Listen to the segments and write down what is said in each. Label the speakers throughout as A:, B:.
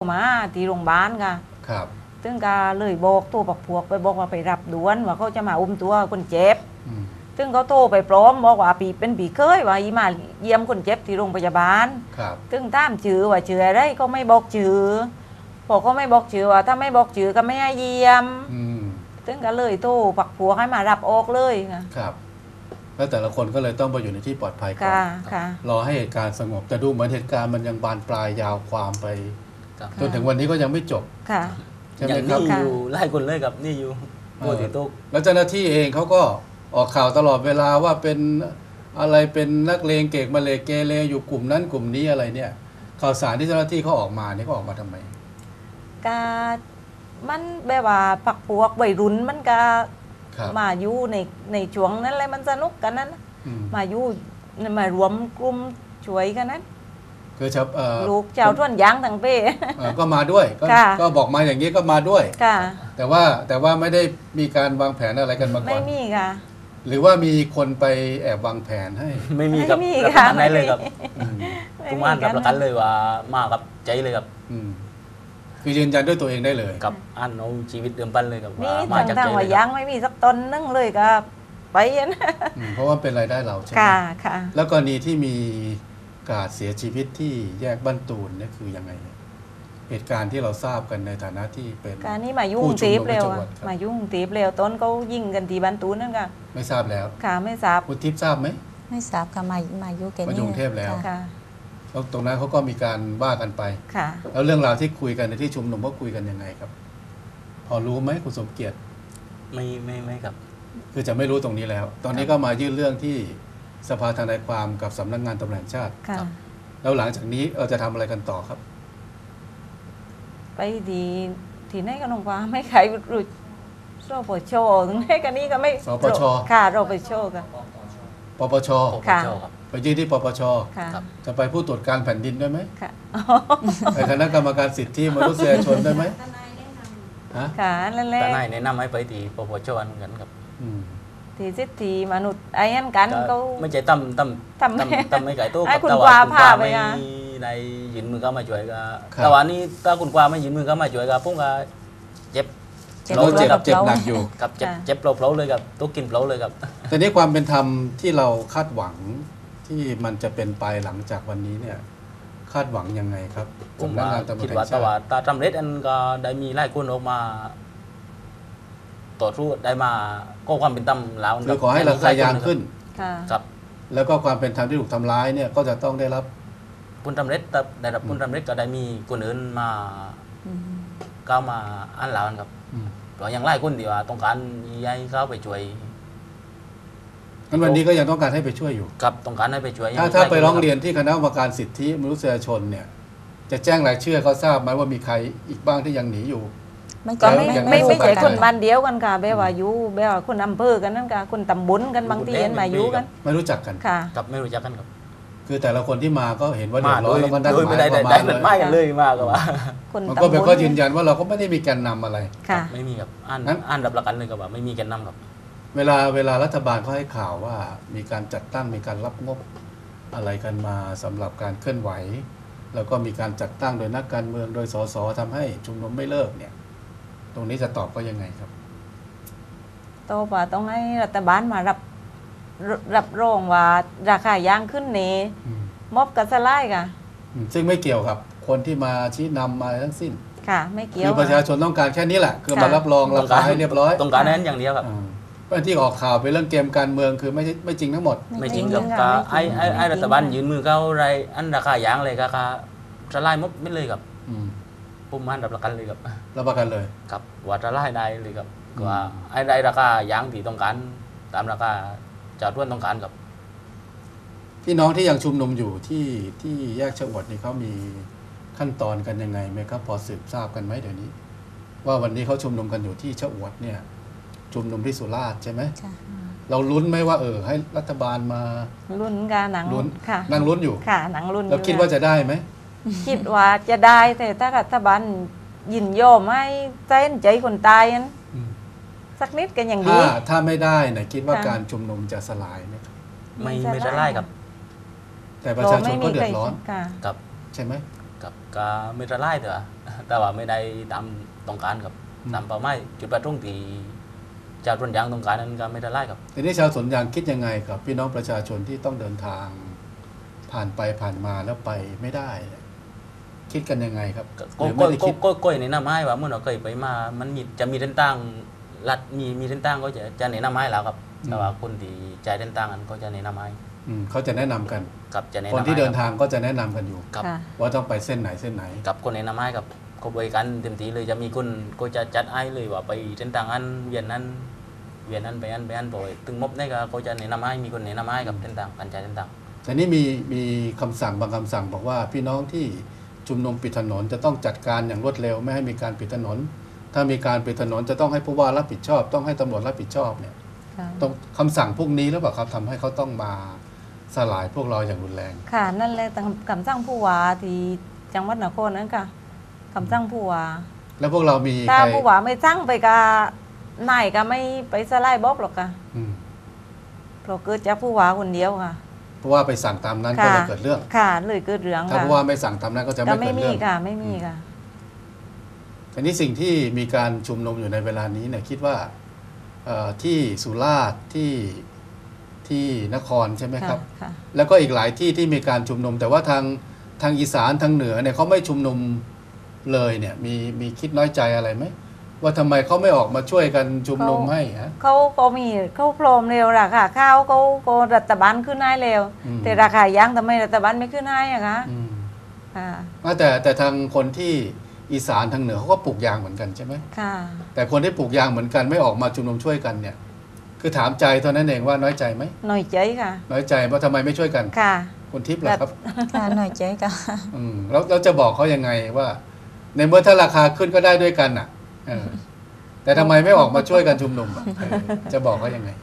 A: มาที่โรงพยาบาลค่ะ
B: ครับ
A: ซึ่งก็เลยบอกตัวปักพวกไปบอกว่าไปรับด่วนว่าเขาจะมาอุ้มตัวคนเจ็บซึ่งเขาโทรไปพร้อมบอกว่าปีเป็นปีเคยว่าอีมาเยี่ยมคนเจ็บที่โรงพยาบาลซึ่งตามชื่อว่าชื่ออะไรก็ไม่บอกชื่อพอเขาไม่บอกชื่อว่าถ้าไม่บอกชื่อก็ไม่ให้เยี่ยมซึ่งก็เลยโทรปักพวกให้มารับออกเลย
B: ครับแล้วแต่ละคนก็เลยต้องไปอยู่ในที่ปลอดภัยก่อนรอให้เหตุการณ์สงบแต่ดูเหมือนเหตุการณ์มันยังบานปลายยาวความไปจนถึงวันนี้ก็ยังไม่จบ
C: ใช่ไหมครับนี่อยู่ไล่คนเลยกับนี่อยู่โบติโต๊ะ
B: แล้วเจ้าหน้าที่เองเขาก็ออกข่าวตลอดเวลาว่าเป็นอะไรเป็นนักเลงเกกมาเลเกเรอยู่กลุ่มนั้นกลุ่มนี้อะไรเนี่ยข่าวสารที่เจ้าหน้าที่เขาออกมาเนี่ยเขาออกมาทำไม
A: ก็มันแบบว่าปักพวกวัยรุ่นมันก็มาอยู่ในช่วงนั้นเลยมันสนุกกันนั้นมาอยู่มารวมกลุ่มช่วยกันนั้น
B: คือ
A: ลูกเจ้าท่วนยางทั้งเป้
B: ก็มาด้วยก็บอกมาอย่างนี้ก็มาด้วยแต่ว่าไม่ได้มีการวางแผนอะไรกันมาก่อน
A: ไม่มีค่ะ
B: หรือว่ามีคนไปแอบวางแผนให้
C: ไม่มีครับรับประกันได้เลยครับทุกบ้านรับประกันเลยว่ามากับใจเลยครับ
B: คือยืนยันด้วยตัวเองได้เลย
C: กับอันเอาชีวิตเดิมพันเลยกับ
A: ว่ามาจากใจเลยยังไม่มีสักตนนึงเลยครับไปนะ
B: เพราะว่าเป็นรายได้เราใช่ไหม
A: ค่ะ
B: แล้วกรณีที่มีการเสียชีวิตที่แยกบ้านตูนนี่คือยังไงเหตุการณ์ที่เราทราบกันในฐานะที่เป็น
A: การนี้มายุ่งตีบเร็วมายุ่งตีบเร็วต้นเขายิงกันที่บ้านตูนนั่นค่ะ
B: ไม่ทราบแล้ว
A: ค่ะไม่ทราบ
B: คุณทิพย์ทราบไหม
D: ไม่ทราบค่ะมายุ่งแกนี่
B: มายุ่งเทพแล้ว
A: ค่ะ
B: แล้วตรงนั้นเขาก็มีการว่ากันไป
A: ค่ะ
B: แล้วเรื่องราวที่คุยกันในที่ชุมนุมก็คุยกันยังไงครับพอรู้ไหมคุณสมเกียรติ
C: ไม่ครับ
B: คือจะไม่รู้ตรงนี้แล้วตอนนี้ก็มายื่นเรื่องที่สภาทนายความกับสำนักงานตำรวจแห่งชาติแล้วหลังจากนี้เราจะทำอะไรกันต่อครับ
A: ไปดีที่ไหนก็ลงว่าไม่ใครรู้สปชถึงไหนกันนี้ก็ไม่
B: สปช
A: ค่ะรปชค่ะ
B: ปปช
A: ค่ะ
B: ไปยื่นที่ปปชจะไปผู้ตรวจการแผ่นดินได้ไหม
A: ค่ะ
B: ไปคณะกรรมการสิทธิมนุษยชนได้ไหม
A: ค่ะนั่นแหละ
C: ทนายแนะนำให้ไปที่ปปชเหมือนกันครับ
A: ที่สิทธิมนุษย์ไอ้นั่นกันก็
C: ไม่ใช่ตั้มไม่ไก่โต๊ะ
A: คุณกวาพาไป
C: ในยืนมือเข้ามาช่วยก็แต่วันนี้ถ้าคุณกวาไม่ยืนมือเข้ามาช่วยก็พวกก็เจ็บ
B: หนักอยู่
C: กับเจ็บเปล่าๆเลยกับตุ๊กกินเปล่าเลยครับ
B: แต่นี้ความเป็นธรรมที่เราคาดหวังที่มันจะเป็นไปหลังจากวันนี้เนี่ยคาดหวังยังไงครับ
C: ผมว่าคิดว่าแต่ว่าตาจำเร็จอันก็ได้มีไล่คนออกมาต่อสู้ได้มาก็ความเป็นธรรมแล้ว
B: คือขอให้ราคายางขึ้น
C: ครับ
B: แล้วก็ความเป็นธรรมที่ถูกทำร้ายเนี่ยก็จะต้องได้รับ
C: ผลสำเร็จได้รับผลสำเร็จก็ได้มีคนอื่นมาก้าวมาอันเหล่านั้นครับเพราะยังไล่คนที่ว่าต้องการให้เขาไปช่วย
B: งั้นวันนี้ก็ยังต้องการให้ไปช่วยอยู่
C: ครับต้องการให้ไปช่วย
B: ถ้าไปร้องเรียนที่คณะกรรมการสิทธิมนุษยชนเนี่ยจะแจ้งรายชื่อเขาทราบไหมว่ามีใครอีกบ้างที่ยังหนีอยู่
A: ก็ไม่ใช่คนบ้านเดียวกันค่ะแบบว่าอยู่แบบว่าคนอำเภอกันนั่นค่ะคนตำบลกันบางทีเห็นมาอยู่กัน
B: ไม่รู้จักกัน
A: ค่ะ
C: ครับไม่รู้จักกันครับ
B: คือแต่ละคนที่มาก็เห็นว่าเดือดร้อนแล้วก็นัดหมาย
C: กันมาเลยมากกว่า
B: มันก็เป็นข้อยืนยันว่าเราก็ไม่ได้มีแกนนำอะไร
C: ไม่มีครับอ่านรับประกันเลยกับว่าไม่มีแกนนำครับ
B: เวลารัฐบาลเขาให้ข่าวว่ามีการจัดตั้งมีการรับงบอะไรกันมาสำหรับการเคลื่อนไหวแล้วก็มีการจัดตั้งโดยนักการเมืองโดยสสทำให้ชุมนุมไม่เลิกเนี่ยตรงนี้จะตอบก็ยังไงครับ
A: ตอบว่าต้องให้รัฐบาลมารับรองว่าราคายางขึ้นนี้มอบกันสลายค่ะ
B: ซึ่งไม่เกี่ยวกับคนที่มาชี้นำมาทั้งสิ้น
A: ค่ะไม่เกี่ยว
B: คือประชาชนต้องการแค่นี้แหละคือมารับรองราคาให้เรียบร้อย
C: ต้องการนั้นอย่างเดียวครับ
B: ที่ออกข่าวไปเรื่องเกมการเมืองคือไม่จริงทั้งหมด
C: ไม่จริงครับไอ้รัฐบาลยืนมือเขาอะไรอันราคายางเลยราคาสลายมดไม่เลยครับผมมันรับประกันเลยครับ
B: รับประกันเลย
C: ครับว่าสลายได้เลยครับว่าไอ้ราคายางที่ต้องการตามราคาชาวท้วนต้องการกับ
B: พี่น้องที่ยังชุมนุมอยู่ที่แยกชะอวดนี่เขามีขั้นตอนกันยังไงไหมครับพอสืบทราบกันไหมเดี๋ยวนี้ว่าวันนี้เขาชุมนุมกันอยู่ที่ชะอวดเนี่ยชุมนุมที่สุราษฎร์ใช่ไหมเราลุ้นไหมว่าให้รัฐบาลมา
A: ลุ้นกันหนัง
B: ลุ้น
A: ค่ะ
B: นั่งลุ้นอยู่
A: ค่ะหนังลุ้น
B: แล้วคิดว่าจะได้ไหม
A: คิดว่าจะได้แต่ถ้ารัฐบาลยินยอมให้ใจคนตายนั้นสักนิดกันอย่างดี
B: ถ้าไม่ได้นะคิดว่าการชุมนุมจะสลายไหม
C: ไม่สลายครับ
B: แต่ประชาชนก็เดือดร้อน
C: ครับ
B: ใช่ไหม
C: กับก็ไม่ละลายเถอะแต่ว่าไม่ได้ตามต้องการกับตามเป้าหมายจุดประสงค์ที่ชาวสวนยางต้องการนั้นก็ไม่ละลายครับ
B: ทีนี้ชาวสวนยางคิดยังไงกับพี่น้องประชาชนที่ต้องเดินทางผ่านไปผ่านมาแล้วไปไม่ได้ คิดกันยังไงครับหรือไม่ได้คิด
C: ก็ในหน้าไม้ว่าเมื่อเราเคยไปมามันจะมีเส้นตั้งรัดมีเส้นตั้งก็จะในหน้าไม้แล้วครับแต่ว่าคนที่ใจเส้นตั้งนั้นก็จะในหน้าไม้
B: เขาจะแนะนำกัน
C: กับจะในห
B: คน
C: น้าไม้
B: ที่เดินทางก็จะแนะนำกันอยู่
C: กับ
A: ค่ะ
B: ว่าต้องไปเส้นไหนเส้นไหน
C: กับคนในหน้าไม้กับก็บริการเต็มที่เลยจะมีคนก็จะจัดให้เลยว่าไปเส้นทางอันเวียนนั้นไปอันบ่อยถึงมบได้ก็จะในหน้าไม้มีคนในหน้าไม้กับเส้นทางการจ่ายเส้นทาง
B: แต่นี่มีคำสั่งบางคำสั่งบอกว่าพี่น้องที่ชุมนุมปิดถนนจะต้องจัดการอย่างรวดเร็วไม่ให้มีการปิดถนน ถ้ามีการปิดถนนจะต้องให้ผู้ว่ารับผิดชอบ ต้องให้ตำรวจรับผิดชอบเนี่ย
A: ค่ะ
B: ต้องคำสั่งพวกนี้แล้วเปล่าครับทำให้เขาต้องมาสลายพวกเราอย่างรุนแรง
A: ค่ะนั่นแหละคำสั่งผู้ว่าที่จังหวัดนครนั้นค่ะคำสั่งผู้ว่า
B: แล้วพวกเรามี
A: ถ้า
B: ใคร
A: ผู้ว่าไม่สั่งไปก็นายก็ไม่ไปสลายบล็อกหรอกค่ะ
B: อืม
A: เพราะเกิดจากผู้ว่าคนเดียวค่ะ
B: เพราะว่าไปสั่งตามนั้นก็
A: ค่ะ
B: เลยเกิดเรื่อง
A: ค่ะเลยเกิดเรื่อง
B: ถ้า
A: ค่ะ
B: ผู้ว่าไม่สั่งตามนั้นก็จะ
A: ก็
B: ไม่
A: ไม่
B: เกิด
A: มี
B: เรื่อง
A: ค่ะไม่มีค่ะ
B: อันนี้สิ่งที่มีการชุมนุมอยู่ในเวลานี้เนี่ยคิดว่าที่สุราษฎร์ที่นครใช่ไหมครับ
A: ค่ะ
B: แล้วก็อีกหลายที่ที่มีการชุมนุม แต่ว่าทางอีสานทางเหนือเนี่ยเขาไม่ชุมนุมเลยเนี่ยมีคิดน้อยใจอะไรไหมว่าทำไมเขาไม่ออกมาช่วยกันชุมนุมให้ฮะ
A: เขาพร้อมเร็วราคาข้าวเขารัฐบาลขึ้นให้เร็ว
B: อืม
A: แต่ราคายางทำไมรัฐบาลไม่ขึ้นให้อะคะ
B: อืม
A: ค่ะ
B: แต่ทางคนที่อีสานทางเหนือเขาก็ปลูกยางเหมือนกันใช่ไหม
A: ค่ะ
B: แต่คนที่ปลูกยางเหมือนกันไม่ออกมาชุมนุมช่วยกันเนี่ย คือถามใจเท่านั้นเองว่าน้อยใจไหม
A: หน่อยใจค่ะ
B: น้อยใจว่าทำไมไม่ช่วยกัน
A: ค่ะ
B: คุณทิพย์เหรอครับ
D: ค่ะหน่อยใจก็
B: แล้วเราจะบอกเขายังไงว่า ในเมื่อถ้าราคาขึ้นก็ได้ด้วยกันอ่ะแต่ทำไมไม่ออกมาช่วยกันชุมนุมอ่ะจะบอกเขายังไง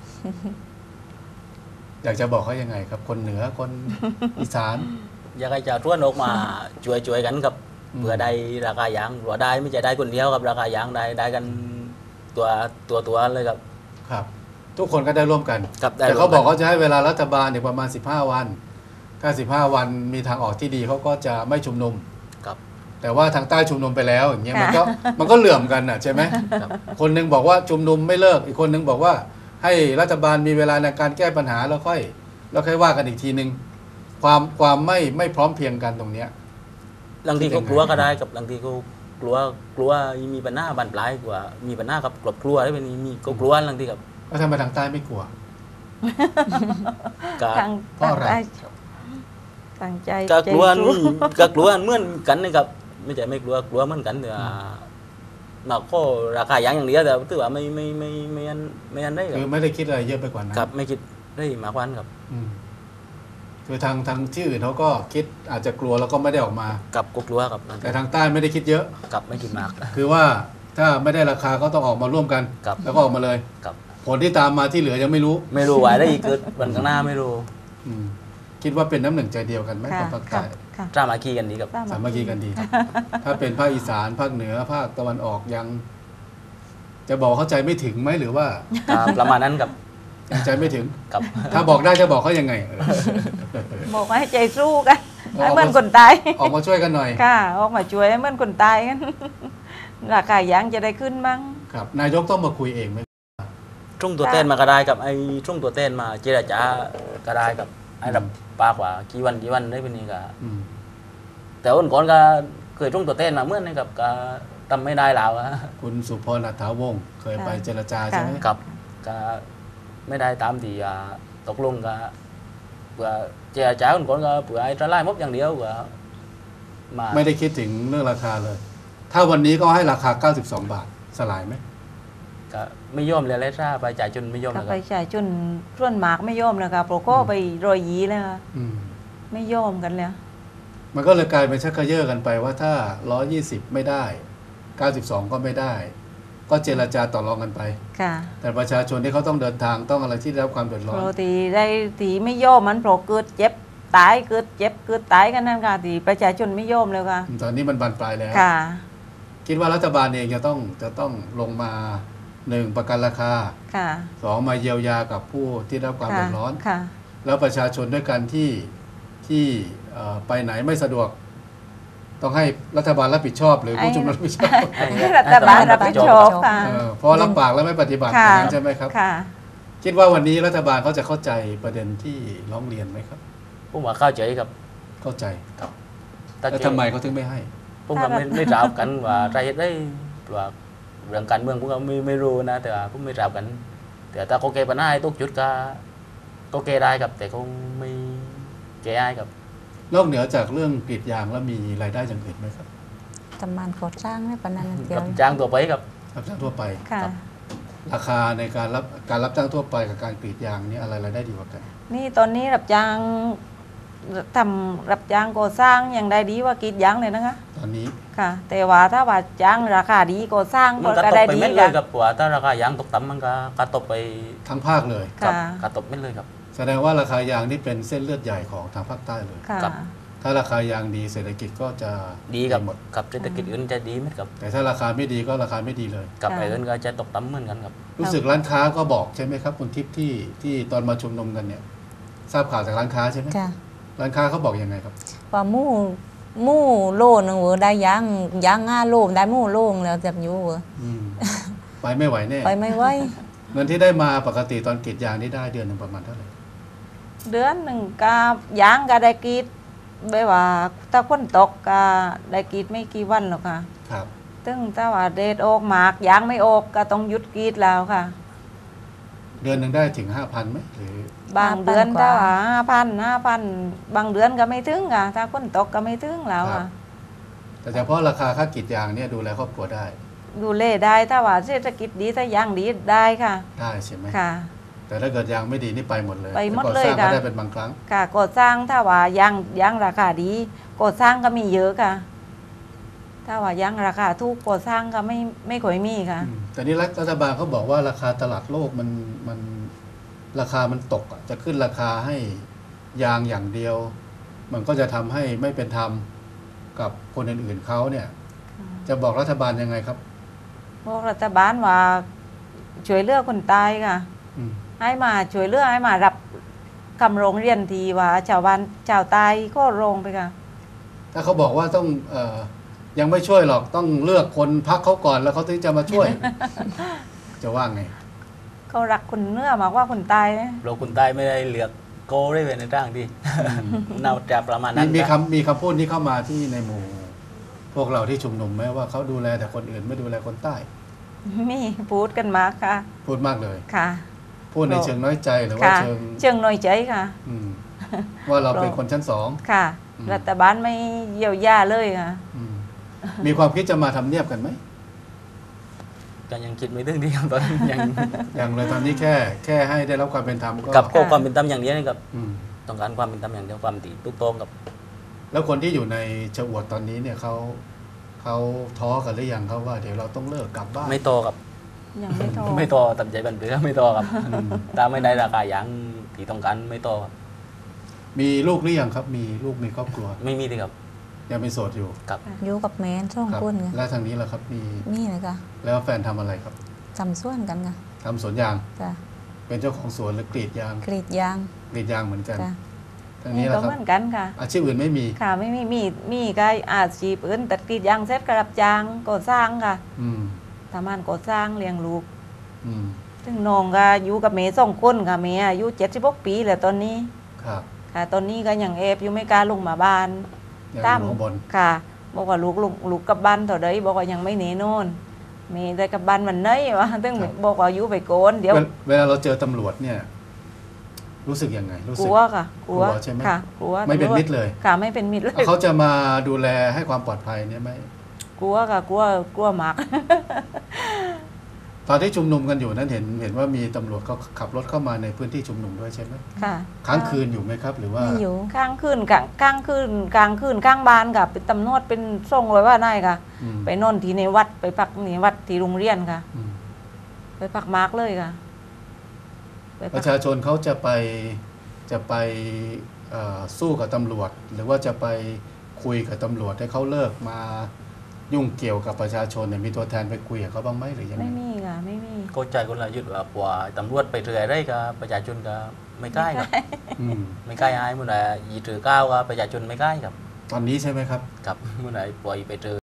B: อยากจะบอกเขายังไงครับ คนเหนือคนอีสาน
C: อยากให้ชาวสวนออกมาช่วยกันกับ
B: อืม
C: เพื่อได้ราคายางหรือได้ไม่ใช่ได้คนเดียวกับราคายางได้กันตัวเลยครับ
B: ครับ ทุกคนก็ได้ร่วมกัน
C: ครับได้
B: แต่เขา
C: ร่วมกัน
B: บอกเขาจะให้เวลารัฐบาลเนี่ยประมาณ15 วันถ้า15 วันมีทางออกที่ดีเขาก็จะไม่ชุมนุม
C: ครับ
B: แต่ว่าทางใต้ชุมนุมไปแล้วอย่างเงี้ย
A: ค่ะ
B: มันก็เหลื่อมกันอ่ะใช่ไหม
C: ครับ
B: คนหนึงบอกว่าชุมนุมไม่เลิกอีกคนหนึงบอกว่าให้รัฐบาลมีเวลาในการแก้ปัญหาแล้วค่อยว่ากันอีกทีหนึ่งความไม่พร้อมเพรียงกันตรงเนี้ย
C: บางทีก็กลัวก็ได้กับบางทีก็กลัวมีปัญหาบานปลายกว่ามีปัญหากับครอบครัวได้เป็นมีก็กลัวบางทีกับ
B: แล้วทำไมทางใต้ไม่กลัว
C: ก็
A: ทาง
B: เพราะอะไร
A: ทางใจ
C: ก็กลัว
A: ใจสู้
C: ก็กลัวเหมือนกันนะครับไม่ใช่ไม่กลัวเหมือนกันแต่ว่ามาก็ราคายางอย่างเดียวแต่ถือว่าไม่อันได้ครั
B: คือบ ไม่ได้คิดอะไรเยอะไปกว่านั้น
C: ครับไม่คิดได้มากกว่านั้นครับ
B: อืมคือทางที่อื่นเขาก็คิดอาจจะกลัวแล้วก็ไม่ได้ออกมา
C: กับก็กลัวครับ
B: แต่ทางใต้ไม่ได้คิดเยอะ
C: กับไม่คิดมาก
B: คือว่าถ้าไม่ได้ราคาก็ต้องออกมาร่วมกัน
C: ครับ
B: แล้วก็ออกมาเลย
C: กับ
B: ผลที่ตามมาที่เหลือยังไม่รู้
C: ไม่รู้ว่าได้อีกเกิดวันข้างหน้าไม่รู้
B: อืมคิดว่าเป็นน้ำหนึ่งใจเดียวกันไหม
A: ค่ะ
B: กับภาค
A: ค่ะ
B: ใต้
A: ค่ะ
C: จ้ามาคีกันดีกับ
B: สามัคคีกันดีครับ ถ้าเป็นภาคอีสานภาคเหนือภาคตะวันออกยัง จะบอกเข้าใจไม่ถึงไหมหรือว่า
C: ประมาณนั้นกับ
B: ยังใจไม่ถึง
C: กับ
B: ถ้าบอกได้จะบอกเขายังไง
A: บอกว่าให้ใจสู้กัน
B: ออกมา
A: ให้เหมือนคนตาย
B: ออกมาช่วยกันหน่อย
A: ค่ะออกมาช่วยให้เหมือนคนตายกัน ราคายางจะได้ขึ้นบ้าง
B: ครับ นายกต้องมาคุยเองไหม
C: ช่วงตัวเต้นมาก็ได้กับไอ้ช่วงตัวเต้นมาเจรจาก็ได้กับไอ้รับปากว่ากี่วันได้เป็นนี่กับ
B: อืม
C: แต่วันก่อนก็เคยช่วงตัวเต้นมาเมื่อนี่กับก็ทำไม่ได้แล้วอะ
B: คุณสุพรอัฏฐาวงศ์เคยไป
A: ค่ะ
B: เจรจาใช่ไหม
C: กับก็ไม่ได้ตามที่ตกลงก็เผื่อเจรจาวันก่อนก็เผื่อไอ้จะไล่มบอย่างเดียวก็มา
B: ไม่ได้คิดถึงเรื่องราคาเลย ถ้าวันนี้ก็ให้ราคา92 บาทสลายไหม
C: ก็ไม่ยอมเลยเลยถ้าไปจ่ายจนไม่ยอม
A: ก็
C: นะค
A: ไป
C: รับ
A: จ่ายจนส่วนหมากไม่ยอมเลยค่ะโปรโก้ไปรอยยีเลยค่ะ
B: อืม
A: ไม่ยอมกันแล้ว
B: มันก็เลยกลายเป็นชักกระเยาะกันไปว่าถ้า120ไม่ได้92ก็ไม่ได้ ก็เจรจาต่อรองกันไป
A: ค่ะ
B: แต่ประชาชนที่เขาต้องเดินทางต้องอะไรที่ได้รับความเดือดร้
A: โป
B: อน
A: รตีได้ตีไม่ยอมมันโปรเกิดเจ็บตายเกิดเจ็บเกิดตายกันนั่นค่ะตีประชาชนไม่ยอมเลยค่ะ
B: ตอนนี้มันบานปลายแล้ว
A: ค่ะ
B: คิดว่ารัฐบาลเองจะต้องลงมา1ประกันราคา
A: ค่ะ
B: 2มาเยียวยากับผู้ที่ได้รับความเดือดร้อน
A: ค่ะ
B: แล้วประชาชนด้วยกันที่ไปไหนไม่สะดวกต้องให้รัฐบาลรับผิดชอบหรือผู้ชุมนุมรับผิดชอบ
A: ให้รัฐบาลรับผิดชอบค่ะ
B: เพราะรับปากแล้วไม่ปฏิบัติอ
A: ค่ะ
B: ย่างนั้นใช่ไหมครับ
A: ค่ะ
B: คิดว่าวันนี้รัฐบาลเขาจะเข้าใจประเด็นที่ร้องเรียนไหมครับ
C: ผมว่าเข้าใจครับ
B: เข้าใจ
C: ถ้า
B: แล้วทำไมเขาถึงไม่ให้
C: ผมก็ไม่ทราบกันว่าใจได้ว่าเรื่องการเมืองผมก็ไม่รู้นะแต่ว่าผมไม่ทราบกัน แต่ถ้าเขาแก้ปัญหาให้ทุกจุดก็แก้ได้ครับ แต่เขาไม่แก้ได้ครับ
B: นอกเหนือจากเรื่องกรีดยางแล้วมีรายได้อย่างอื่นไหมครับ
D: ทำมันก่อสร้างไม่ปานนั้นเดีย
C: กั
D: ว
C: บจ้างตัวไปครับ
B: รับจ้างทั่วไป
A: ค่ะ
B: ราคาในการรับจ้างทั่วไปกับการกรีดยางนี่อะไรรายได้ดีกว่ากัน
A: นี่ตอนนี้รับจ้างทำรับจ้างก่อสร้างอย่างใดดีกว่ากรีดยางเลยนะคะ
B: ตอนนี้
A: ค่ะ แต่ว่าถ้าว่าจ้างราคาดีก่อสร้าง
C: มันก็
A: ก็
C: ต
A: ได้
C: กไป
A: ดี
C: เม็ดเลย
A: ค่ะ
C: ครับว่าถ้าราคายางตกต่ำมันก็กระตกไป
B: ทั้งภาคเลย
C: กับ
A: ค่ะ
C: กระตกเม็ดเลยครับ
B: แสดงว่าราคายางนี่เป็นเส้นเลือดใหญ่ของทางภาคใต้เลย
A: ค่ะ
C: ครับ
B: ถ้าราคายางดีเศรษฐกิจก็จะ
C: ดีกับ
B: หมด
C: กับเศรษฐกิจอื่นจะดีไหมครับ
B: แต่ถ้าราคาไม่ดีก็ราคาไม่ดีเลย
C: กับ
A: ค่ะ
C: ไอ้อื่นก็จะตกต่ำเหมือนกันครับ
B: รู้สึกร้านค้าก็บอกใช่ไหมครับคุณทิพย์ที่ตอนมาชุมนุมกันเนี่ยทราบข่าวจากร้านค้าใช่ไหม
D: ค่ะ
B: ร้านค้าเขาบอกยังไงครับ
D: ว่าหมู่โลนึงเวอได้ยาง5 โลได้หมู่โลงแล้วจับอยู่เวอ
B: อืม ไปไม่ไหวแน่
D: ไปไม่ไหว
B: เงินที่ได้มาปกติตอนกรีดยางนี่ได้เดือนหนึ่งประมาณเท่าไหร่
A: เดือนหนึ่งก็ยางก็ได้กรีดแบบว่าถ้าฝนตกก็ได้กรีดไม่กี่วันหรอกค่ะ
B: ครับ
A: ซึ่งถ้าว่าเดดออกหมากยางไม่ออกก็ต้องหยุดกรีดแล้วค่ะ
B: เดือนหนึ่งได้ถึง 5,000ไหมหรือ
A: บางเดือนถ้าว่า5,000บางเดือนก็ไม่ถึงค่ะถ้าฝนตกก็ไม่ถึงแล้วค่ะ
B: แต่เฉพาะราคาค่ากรีดยางเนี่ยดูแลครอบครัวได้
A: ดูเล่ได้ถ้าว่าเศรษฐกิจดีถ้ายางดีได้ค่ะ
B: ได้ใช่ไหม
A: ค่ะ
B: แต่ถ้าเกิดยางไม่ดีนี่ไปหมดเลย
A: ไปหมด
B: แต่ก่อ
A: เลย
B: สร้างก็
A: ค่ะ
B: ได้เป็นบางครั้ง
A: ค่ะก่อสร้างถ้าว่ายางราคาดีก่อสร้างก็มีเยอะค่ะ ถ้าว่ายางราคาถูกก่อสร้างก็ไม่ค่อยมีค่ะ
B: แต่นี่รัฐบาลเขาบอกว่าราคาตลาดโลกมันราคามันตกอะจะขึ้นราคาให้ยางอย่างเดียว มันก็จะทำให้ไม่เป็นธรรมกับคนอื่นๆเขาเนี่ย จะบอกรัฐบาลยังไงครับ
A: บอกรัฐบาลว่าช่วยเหลือคนตายค่ะ
B: อืม
A: ให้มาช่วยเหลือให้มารับคำโรงเรียนทีว่าชาวบ้านชาวตายก็โรงไปค่ะ
B: ถ้าเขาบอกว่าต้องยังไม่ช่วยหรอกต้องเลือกคนพักเขาก่อนแล้วเขาถึงจะมาช่ วย จะว่าไง
A: เขารักคนเนื้อมากกว่าคนตายนะ
C: เราคนใต้ไม่ได้เลือกโกได้เป็นในร่างที่ น่าจะประมาณนั้น
B: มี
C: นะ
B: มีคำพูดนี้เข้ามาที่ในหมู่ พวกเราที่ชุมนุมไหมว่าเขาดูแลแต่คนอื่นไม่ดูแลคนใต้
A: มีพูดกันมากค่ะ
B: พูดมากเลย
A: ค่ะ
B: พูดในเชิงน้อยใจหรือว่า
A: ค่ะ
B: เชิง
A: เชิงน้อยใจค่ะ
B: อืมว่าเราเป็นคนชั้นสอง
A: ค่ะ
B: อืม
A: รัฐบาลไม่เยียวยาเลยค่ะ
B: อืมมีความคิดจะมาทำเนียบกันไหม
C: ก็ยังคิดไม่ถึงที่ครับตอนนี้ยัง
B: อย่างเลยตอนนี้แค่ให้ได้รับความเป็นธรรมก็
C: กับก็ความเป็นธรรมอย่างเดียวนะครับ
B: อืม
C: ต้องการความเป็นธรรมอย่างเดียวความตีทุกตรงกับ
B: แล้วคนที่อยู่ในชะอวดตอนนี้เนี่ยเขาท้อกันหรือยังเขาว่าเดี๋ยวเราต้องเลิกกลับบ้าน
C: ไม่โตกับ
A: ยังไม่โทร
C: ไม่โตตัดใจบันเรือไม่โตกับ
B: อืม
C: ถ้าไม่ได้ราคาอย่างที่ต้องการไม่โตครับ
B: มีลูกหรือยังครับ มีลูกมีครอบครัว
C: ไม่มีเลยครับ
B: ยังเป็นโสดอยู่
C: กับ
D: อยู่กับแม่สอง
B: ครับ
D: คนไง
B: แล้วทางนี้ล่ะครับ มี
D: นี่เลยค่ะ
B: แล้วแฟนทำอะไรครับ
D: จำส่วนกันค่ะ
B: ทำสวนยาง
D: จ้ะ
B: เป็นเจ้าของสวนหรือกรีดยาง
D: กรีดยาง
B: กรีดยางเหมือนกัน
D: จ้ะ
B: ทาง
A: นี่
B: นี้
A: ก็
B: ล่ะค
A: เห
B: รับ
A: มือนกันค่ะ
B: อาชีพอื่นไม่มี
A: ค่ะไม่มีก็อาชีพอื่นตัดกรีดยางเสร็จก็รับจ้างก่อสร้างค่ะ
B: อืม
A: ทำงานก่อสร้างเลี้ยงลูก
B: อืม
A: ซึ่งน้องก็อยู่กับเมย์2 คนค่ะเมย์อายุ76 ปีแล้วตอนนี้
B: ครับ
A: ค่ะ ตอนนี้ก็ยังเอฟอยู่ไม่กล้าลงมาบ้าน
B: ยังอยู่ข้างบน
A: ค่ะ บอกว่าลูกกลับบ้านเท่าใดบอกว่ายังไม่หนีโน่นเมย์ได้กลับบ้านวันไหนวะซึ่งบอกว่าอยู่ไปโกนเดี๋ยว
B: เวลาเราเจอตำรวจเนี่ย รู้สึกยังไง รู้
A: ก
B: สึก
A: ลัวค่ะกลัว
B: กลัวใช่ไหม
A: ค่ะกลัว
B: ไม่เป็นมิตรเลย
A: ค่ะไม่เป็นมิตรเลย
B: เขาจะมาดูแลให้ความปลอดภัยเนี่ยไหม
A: กลัวค่ะกลัวมาก
B: ตอนที่ชุมนุมกันอยู่นั้นเห็นว่ามีตำรวจเขาขับรถเข้ามาในพื้นที่ชุมนุมด้วยใช่ไหม
A: ค่ะ
B: ค้างคืนอยู่ไหมครับ หรือว่า
D: ไม่อยู่
A: ข้างคืนข้างบ้านค่ะเป็นตำรวจเป็นส่งเลยว่านายค่ะ
B: อืม
A: ไปนอนที่ในวัดไปพักในวัดที่โรงเรียนค่ะ
B: อืม
A: ไปพักมาร์กเลยค่ะไป
B: ป
A: พัก
B: ระชาชนเขาจะไปสู้กับตำรวจ หรือว่าจะไปคุยกับตำรวจให้เขาเลิกมายุ่งเกี่ยวกับประชาชนเนี่ยมีตัวแทนไปคุยกับเขาบ้างไหมหรือยังไง
A: ไม่มีค่ะไม่มี
C: เข้าใจคนละยุดว่าว่าตำรวจไปเรือได้กับประชาชนก็ไม่ใกล้ครับ
B: อืม
C: ไม่ใกล้อายมันละยีถือก้าวกับประชาชนไม่ใกล้ครับ
B: ตอนนี้ใช่ไหมครับ
C: กับเมื่อไหร่ปล่อยไปเจอ